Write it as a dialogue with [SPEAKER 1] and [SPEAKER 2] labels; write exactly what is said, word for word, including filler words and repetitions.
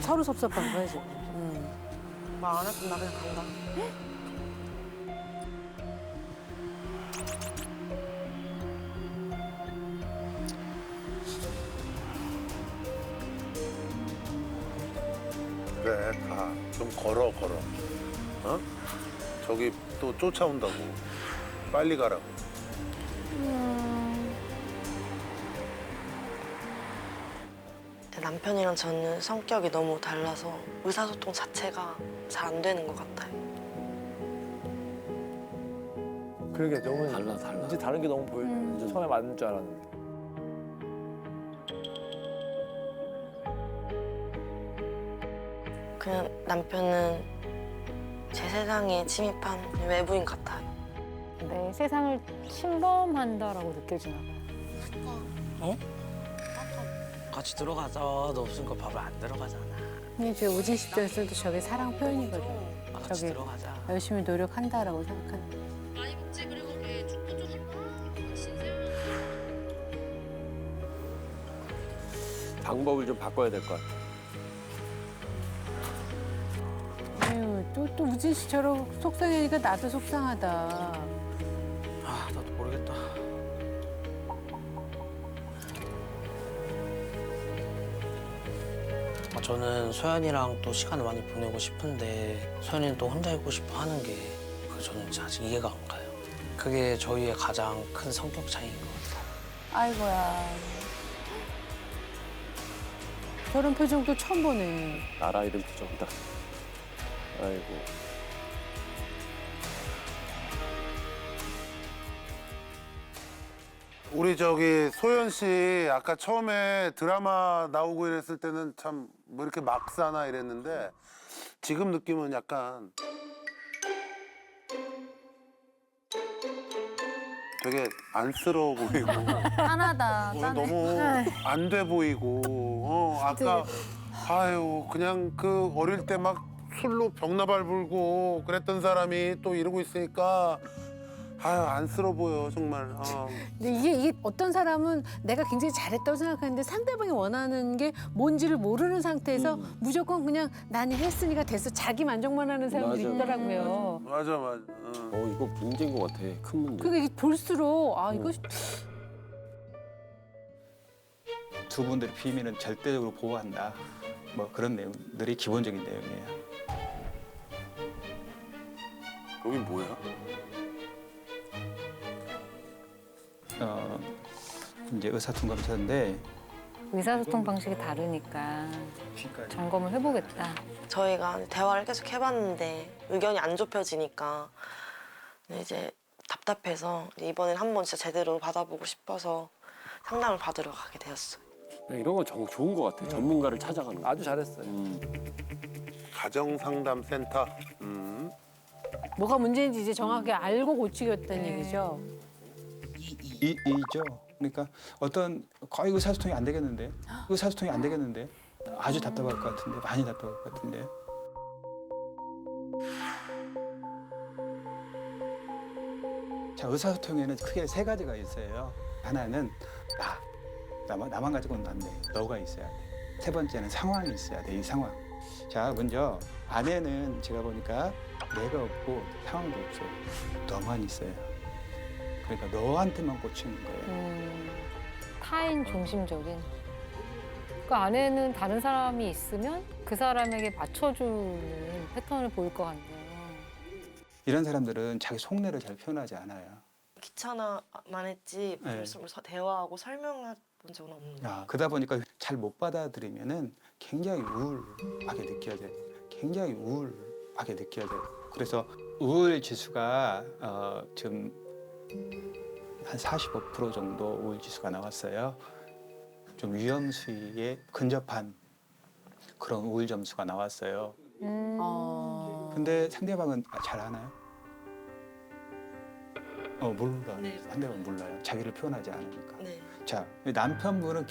[SPEAKER 1] 서로 섭섭한 거야 지금. 음.
[SPEAKER 2] 말 안 할 거면 나 그냥 간다.
[SPEAKER 3] 그래, 가. 좀 걸어, 걸어. 어? 저기 또 쫓아온다고. 빨리 가라고.
[SPEAKER 2] 남편이랑 저는 성격이 너무 달라서 의사소통 자체가 잘 안 되는 것 같아요.
[SPEAKER 4] 그러게 너무
[SPEAKER 5] 달라, 달라.
[SPEAKER 4] 이제 다른 게 너무 보여.
[SPEAKER 1] 음.
[SPEAKER 4] 처음에 맞는 줄 알았는데.
[SPEAKER 2] 그냥 남편은 제 세상에 침입한 외부인 같아요.
[SPEAKER 1] 내 세상을 침범한다라고 느껴지나 봐.
[SPEAKER 5] 같이 들어가자. 너 없으니까 밥을 안 들어가잖아.
[SPEAKER 1] 근데 저 우진 씨 입장에서도 저게 사랑 표현이거든.
[SPEAKER 5] 같이
[SPEAKER 1] 저기
[SPEAKER 5] 들어가자.
[SPEAKER 1] 열심히 노력한다라고 생각하는.
[SPEAKER 6] 많이 먹지. 그리고 걔 죽도 좀 신세요.
[SPEAKER 7] 방법을 좀 바꿔야 될 것 같아.
[SPEAKER 1] 아유 또 또 우진 씨처럼 속상하니까 나도 속상하다.
[SPEAKER 5] 아, 나도 모르겠다. 아, 저는 소연이랑 또 시간을 많이 보내고 싶은데 소연이는 또 혼자 있고 싶어 하는 게 그 저는 아직 이해가 안 가요. 그게 저희의 가장 큰 성격 차이인 것 같아요.
[SPEAKER 1] 아이고야. 저런 표정도 처음 보네.
[SPEAKER 7] 나라 이름 표정이다. 아이고.
[SPEAKER 3] 우리 저기 소연 씨 아까 처음에 드라마 나오고 이랬을 때는 참 뭐 이렇게 막 사나 이랬는데 지금 느낌은 약간 되게 안쓰러워 보이고
[SPEAKER 1] 짠하다.
[SPEAKER 3] 어,
[SPEAKER 1] 짠해.
[SPEAKER 3] 너무 안 돼 보이고 어 아까 아유 그냥 그 어릴 때 막 술로 벽나발 불고 그랬던 사람이 또 이러고 있으니까 아유 안쓰러워 보여 정말. 어.
[SPEAKER 1] 근데 이게, 이게 어떤 사람은 내가 굉장히 잘했다고 생각하는데 상대방이 원하는 게 뭔지를 모르는 상태에서
[SPEAKER 7] 음.
[SPEAKER 1] 무조건 그냥 나는 했으니까 됐어. 자기 만족만 하는 사람들이
[SPEAKER 7] 맞아.
[SPEAKER 1] 있더라고요.
[SPEAKER 3] 맞아 맞아. 어.
[SPEAKER 7] 어 이거 문제인 것 같아. 큰 문제.
[SPEAKER 1] 그게 이게 볼수록 아 이거
[SPEAKER 8] 두 분들의 비밀은 절대적으로 보호한다. 뭐 그런 내용들이 기본적인 내용이에요.
[SPEAKER 3] 여기 뭐야?
[SPEAKER 8] 어, 이제 의사통감사인데
[SPEAKER 1] 의사소통 방식이 다르니까 점검을 해보겠다.
[SPEAKER 2] 저희가 대화를 계속 해봤는데 의견이 안 좁혀지니까 이제 답답해서 이번엔 한번 진짜 제대로 받아보고 싶어서 상담을 받으러 가게 되었어요.
[SPEAKER 7] 이런 건 정, 좋은 것 같아. 전문가를 찾아가는 거.
[SPEAKER 4] 아주 잘했어요.
[SPEAKER 7] 음.
[SPEAKER 3] 가정상담센터. 음.
[SPEAKER 1] 뭐가 문제인지 이제 정확하게 알고 고치겠다는 얘기죠.
[SPEAKER 8] 이, 이죠. 그러니까 어떤 거의 의사소통이 안 되겠는데, 의사소통이 안 되겠는데 아주 답답할 것 같은데, 많이 답답할 것 같은데. 자, 의사소통에는 크게 세 가지가 있어요. 하나는 나, 나만, 나만 가지고는 안 돼. 너가 있어야 돼. 세 번째는 상황이 있어야 돼. 이 상황. 자, 먼저 아내는 제가 보니까 내가 없고 상황도 없어요. 너만 있어요. 그러니까 너한테만 꽂히는 거예요.
[SPEAKER 9] 음, 타인 중심적인. 그 안에는 다른 사람이 있으면 그 사람에게 맞춰주는 패턴을 보일 것 같네요.
[SPEAKER 8] 이런 사람들은 자기 속내를 잘 표현하지 않아요.
[SPEAKER 2] 귀찮아만 했지
[SPEAKER 8] 네.
[SPEAKER 2] 무슨 서- 대화하고 설명해 본 적은 없는데
[SPEAKER 8] 야, 그러다 보니까 잘 못 받아들이면은 굉장히 우울하게 느껴져요. 굉장히 우울하게 느껴져요. 그래서 우울 지수가 어, 지금 한 사십오 퍼센트 정도 우울 지수가 나왔어요. 좀 위험 수위에 근접한 그런 우울 점수가 나왔어요.
[SPEAKER 9] 음.
[SPEAKER 1] 어...
[SPEAKER 8] 근데 상대방은 잘 아나요? 어 몰라요.
[SPEAKER 2] 네.
[SPEAKER 8] 상대방은 몰라요. 자기를 표현하지 않으니까.
[SPEAKER 2] 네.
[SPEAKER 8] 자, 남편분은